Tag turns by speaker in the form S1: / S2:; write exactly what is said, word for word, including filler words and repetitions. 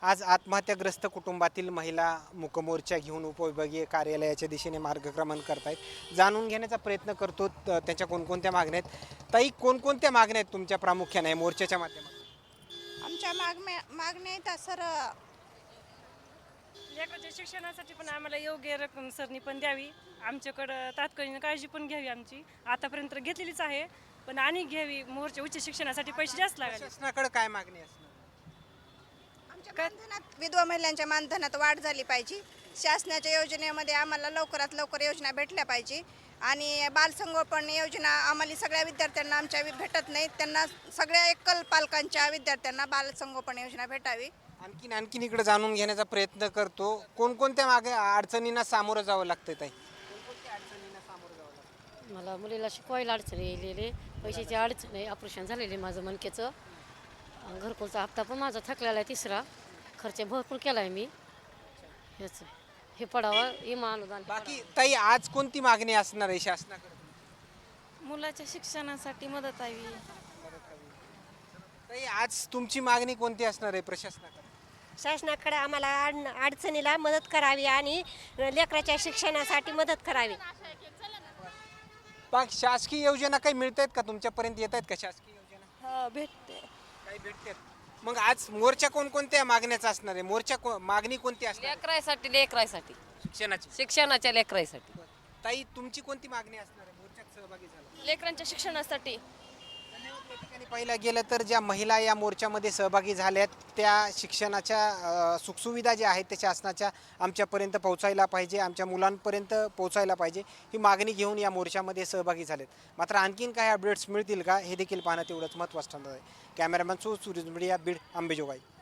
S1: आज आत्महत्याग्रस्त कुटुंबातील महिला मूकमोर्चा घेऊन उपविभागीय कार्यालयाच्या दिशेने मार्गक्रमण करतायत। जाणून घेण्याचा प्रयत्न करतो त- त्यांच्या कोणकोणत्या मागण्या आहेत। ताई, कोणकोणत्या मागण्या आहेत तुमच्या प्रामुख्याने मोर्चाच्या माध्यमातून?
S2: आमच्या मागण्या मागण्या आहेत सर.
S3: लेकराच्या शिक्षणासाठी पण आम्हाला योग्य रक्कम सरनी पण द्यावी, आमच्याकडं तात्कालीन काळजी पण घ्यावी आमची, आतापर्यंत घेतलेलीच आहे पण आणि घ्यावी. मोर्चा उच्च शिक्षणासाठी पैसे जास्त लागले.
S1: शासनाकडे काय मागणी असणार?
S2: आमच्या मानधनात विधवा महिलांच्या मानधनात वाढ झाली पाहिजे. शासनाच्या योजनेमध्ये आम्हाला लवकरात लवकर योजना भेटल्या पाहिजे आणि बालसंगोपन योजना आम्हाला सगळ्या विद्यार्थ्यांना आमच्या भेटत नाही, त्यांना सगळ्या एकल पालकांच्या विद्यार्थ्यांना बालसंगोपन योजना भेटावी.
S1: आणखीन आणखीन इकडे जाणून घेण्याचा प्रयत्न करतो, कोणकोणत्या मागे अडचणींना सामोरं जावं लागतं ताई? कोणकोणत्या अडचणींना सामोरं जावं लागतं?
S4: मला मुलीला शिकवायला अडचण येलेले, पैशाची अडचण आहे, ऑपरेशन झालेले माझं मणक्याचं, घरकुलचा हप्ता पण माझा थकलेला आहे, तिसरा खर्च भरपूर केला आहे मी. हेच हे पडावं इमा अनुदान.
S1: बाकी ताई, आज कोणती मागणी असणार आहे शासनाकडे?
S3: मुलाच्या शिक्षणासाठी मदत हवी.
S1: ताई, आज तुमची मागणी कोणती असणार आहे प्रशासनाकडे?
S5: शासनाकडे आम्हाला अड अडचणीला मदत करावी आणि लेकराच्या शिक्षणासाठी मदत करावी.
S1: बाकी शासकीय योजना काही मिळत आहेत का, तुमच्यापर्यंत येत आहेत का शासकीय योजना?
S3: हो, भेटते.
S1: काही भेटतात. मग आज मोर्चा कोणकोणत्या मागण्याचा असणार आहे? मोर्चा को- मागणी कोणती असणार आहे?
S6: लेकरासाठी लेकरासाठी
S1: शिक्षणाची.
S6: शिक्षणाच्या लेकरासाठी.
S1: ताई, तुमची कोणती मागणी असणार आहे मोर्चात सहभागी झाला?
S3: लेकरांच्या शिक्षणासाठी.
S1: या ठिकाणी पाहिलं गेलं तर ज्या महिला या मोर्चामध्ये सहभागी झाल्यात त्या शिक्षणाच्या अ, सुखसुविधा ज्या आहेत त्या शासनाच्या आमच्यापर्यंत पोहोचायला पाहिजे, आमच्या मुलांपर्यंत पोहोचायला पाहिजे, ही मागणी घेऊन या मोर्चामध्ये सहभागी झालेत. मात्र आणखीन काही अपडेट्स मिळतील का हे देखील पाहणं तेवढंच महत्त्वाचं ठरणार आहे. कॅमेरामॅन सो सूरज मीडिया, बीड, अंबेजोगाई.